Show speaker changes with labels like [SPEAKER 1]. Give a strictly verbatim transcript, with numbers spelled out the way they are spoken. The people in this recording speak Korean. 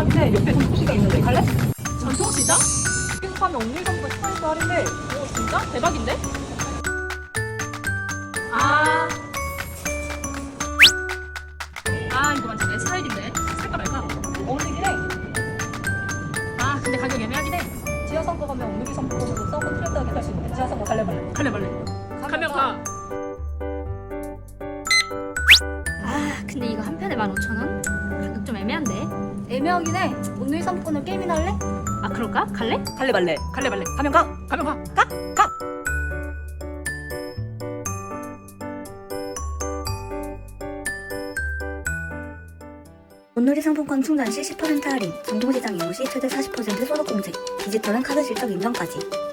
[SPEAKER 1] 시장인데 옆에 전통시장 있는데 갈래?
[SPEAKER 2] 전통시장?
[SPEAKER 1] 여기서 사면 옥류일 상품권 십 퍼센트 할인데.
[SPEAKER 2] 오 진짜? 대박인데? 아, 아 이거 완전 내 스타일인데 살까 말까?
[SPEAKER 1] 어울리긴 해.
[SPEAKER 2] 아 근데 가격 애매하긴 해.
[SPEAKER 1] 지하상가 가면 옥류일 상품권으로 싸고 트렌드하게 살 수 있는데 지하상가 갈래 말래?
[SPEAKER 2] 갈래 말래. 가면 가.
[SPEAKER 3] 아 근데 이거 한 편에 만 오천 원? 가격 좀 애매한데? 애매하긴 해. 오늘 상품권을 게임이나 할래? 아 그럴까? 갈래?
[SPEAKER 1] 갈래 말래?
[SPEAKER 2] 갈래 말래.
[SPEAKER 1] 가면 가.
[SPEAKER 2] 가면 가.
[SPEAKER 1] 가. 가.
[SPEAKER 4] 온누리 상품권 충전 시 십 퍼센트 할인, 전통시장 이용 시 최대 사십 퍼센트 소득공제, 디지털은 카드 실적 인정까지.